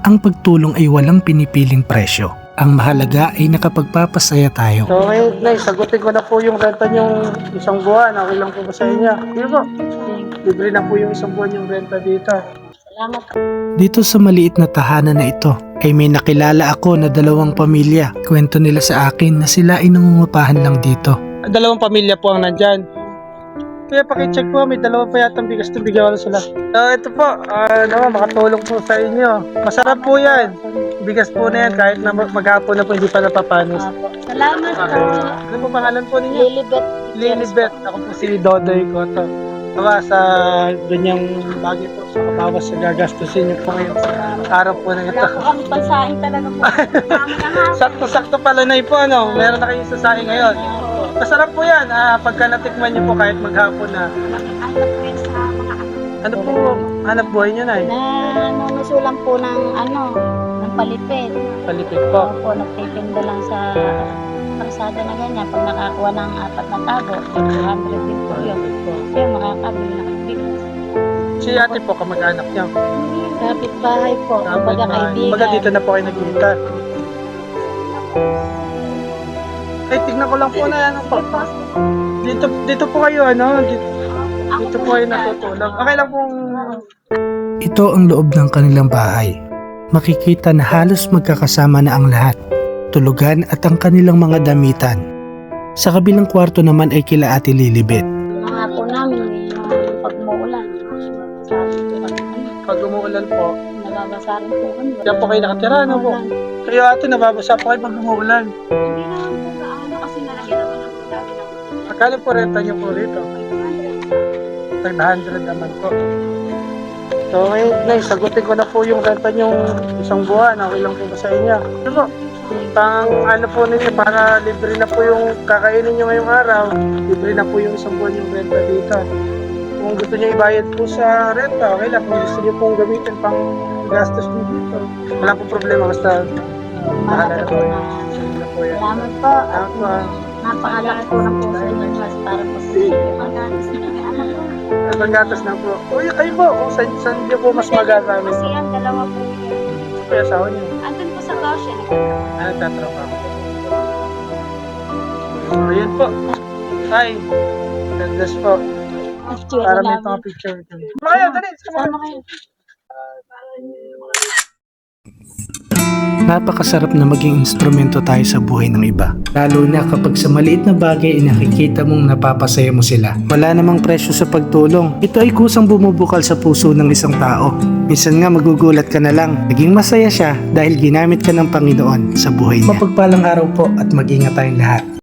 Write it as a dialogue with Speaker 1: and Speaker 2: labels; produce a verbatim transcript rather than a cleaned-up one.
Speaker 1: Ang pagtulong ay walang pinipiling presyo. Ang mahalaga ay nakapagpapasaya tayo.
Speaker 2: So ngayon, Nay, sagutin ko na po yung renta niyong isang buwan. Okay lang po ba sa inyo? Sige po. Libre na po yung isang buwan yung renta dito.
Speaker 3: Salamat.
Speaker 1: Dito sa maliit na tahanan na ito ay may nakilala ako na dalawang pamilya. Kwento nila sa akin na sila ay nangungupahan lang dito.
Speaker 2: Dalawang pamilya po ang nandyan. Kaya pakicheck po, may dalawa pa yatang bigas na bigyan ko sila. So ito po, uh, naman makatulong po sa inyo. Masarap po yan. Bigas po na yan kahit na mag- maghapon na po hindi pa napapanis.
Speaker 3: Apo. Salamat po.
Speaker 2: Ano po pangalan po ninyo?
Speaker 3: Lilibet.
Speaker 2: Lilibet. Ako po si Dodoy Cotto. Diba, sa ganyang bagay po, sa kabawas sa gagastusin niyo po ngayon sa araw po na ito.
Speaker 3: Wala po kami pansaing talaga po.
Speaker 2: Sakto-sakto pala na po, ano? Meron na kayong sasaing ngayon. Masarap po yan, ah, pagka natikman niyo po kahit maghapon na.
Speaker 3: Ano po yun sa mga ano.
Speaker 2: Ano po, hanap buhay niyo na eh?
Speaker 3: Na nanusulang po ng ano, ng palipit.
Speaker 2: Palipit po.
Speaker 3: Opo, nagtitinda lang sa kalsada na ganyan. Pag nakakuha ng apat na tago, two hundred din po yun. Kaya makakabili na ng bigas.
Speaker 2: Si ate po, kamag-anak niyo.
Speaker 3: Kapit-bahay po,
Speaker 2: Kapit
Speaker 3: kapag
Speaker 2: bahay. Kumbaga dito
Speaker 3: kaibigan.
Speaker 2: na po kayo nagkita. Ay, tignan ko lang po na ano po. Dito, dito po kayo, ano? Dito, dito po kayo natutulog. Okay lang pong...
Speaker 1: Ito ang loob ng kanilang bahay. Makikita na halos magkakasama na ang lahat. Tulugan at ang kanilang mga damitan. Sa kabilang kwarto naman ay kila Ate Lilibet.
Speaker 3: Mga po namin, yung pag umuulan.
Speaker 2: Pag umuulan po,
Speaker 3: Nababasa rin po kami.
Speaker 2: diyan po kayo nakatira, ano po? Kayo ate, nababasa po kayo pag umuulan.
Speaker 3: Hindi naman po gaano kasi nalagyan naman ng dami ng
Speaker 2: Akala po renta niyo po rito. five hundred naman po. So ngayon, Nay, sagutin ko na po yung renta niyong isang buwan. Okay lang po ba sa inyo? Ano po? Pang ano po ninyo, para libre na po yung kakainin niyo ngayong araw. Libre na po yung isang buwan yung renta dito. Kung gusto niyo ibayad po sa renta, okay lang. Kung gusto niyo pong gamitin pang gastos niyo dito, wala po problema. Basta bahala na po. Sige na po yan.
Speaker 3: Salamat po.
Speaker 2: Salamat po, ah.
Speaker 3: Napakalaki po ng puso niyo mas para po sa pagkakas na may anak ko.
Speaker 2: Paggatas na po. Uy, kayo po, kung saan, saan niyo po mas magagamit.
Speaker 3: Kasi ang dalawa po yun.
Speaker 2: Kaya asawa niyo.
Speaker 3: Andun po sa Goshen.
Speaker 2: Ano, tatrabaho. So, yun po. Hi. Ganda po. Para may mga picture. Maya, dali.
Speaker 3: Sama kayo.
Speaker 1: Napakasarap na maging instrumento tayo sa buhay ng iba. Lalo na kapag sa maliit na bagay ay nakikita mong napapasaya mo sila. Wala namang presyo sa pagtulong. Ito ay kusang bumubukal sa puso ng isang tao. Minsan nga magugulat ka na lang. Naging masaya siya dahil ginamit ka ng Panginoon sa buhay niya. Mapagpalang araw po at mag-ingat tayong lahat.